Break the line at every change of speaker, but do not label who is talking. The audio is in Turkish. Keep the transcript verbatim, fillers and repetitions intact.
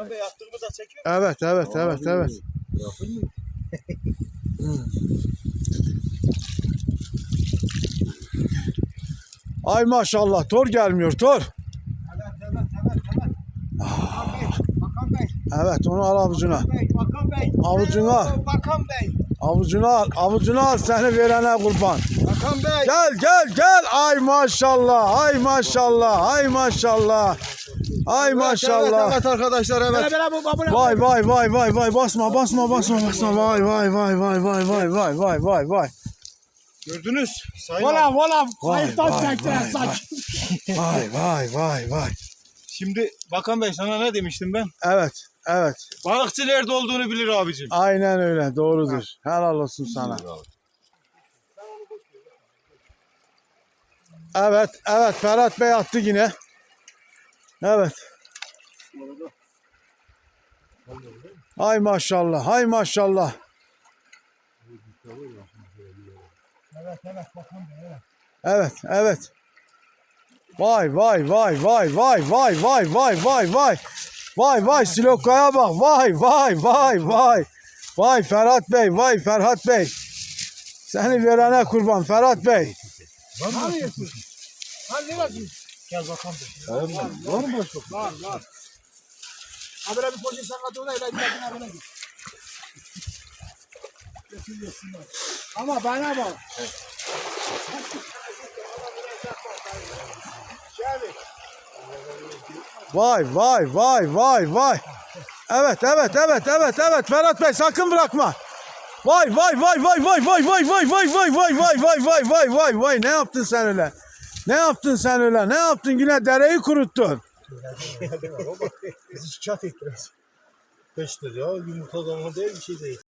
Bakan Bey attığımı da çekiyor.
Evet evet
Abi,
evet evet.
Yapın mı?
Ay maşallah tor gelmiyor tor.
Evet evet evet evet. Bakan Bey, Bakan Bey,
Evet onu al avucuna.
Bey, Bakan Bey.
Avucuna.
Oo, Bakan Bey,
Avucuna al avucuna al seni verene kurban.
Bakan Bey.
Gel gel gel ay maşallah ay maşallah ay maşallah. Ay maşallah.
Evet, evet arkadaşlar evet.
Vay vay vay vay vay basma basma basma basma vay vay vay vay vay vay vay vay vay vay.
Gördünüz. Sayın
Vola
abi.
vola.
Vay,
Kayıttan
vay,
çektiler
vay,
saç.
Vay vay vay vay.
Şimdi Bakan Bey sana ne demiştim ben?
Evet evet
Balıkçı nerede olduğunu bilir abicim.
aynen öyle doğrudur. Helal olsun sana. Evet evet Ferhat Bey attı yine. Evet. Ay maşallah hay maşallah.
Evet evet Bakan Bey evet.
Evet evet. Vay vay vay vay vay vay vay vay vay vay. Vay vay Silokaya bak vay vay vay vay. Vay Ferhat Bey vay Ferhat Bey. Seni verene kurban Ferhat Bey.
Ne yapıyorsun? Hadi neresi? Gel Bakan Bey.
Var mı başka?
Var var. Ha böyle bir poşet sakatı olayla gidin böyle git. Götürüyorsunlar. Ama bana bak. Şöyle.
Vay vay vay vay vay. Evet evet evet evet evet Ferhat Bey sakın bırakma. Vay vay vay vay vay vay vay vay vay vay vay vay vay vay vay vay vay ne yaptın sen öyle? Ne yaptın sen öyle? Ne yaptın yine dereyi kuruttun.
Bizi şikayet ettiler. Beş lira ya yumurta zaman değil bir şey değil.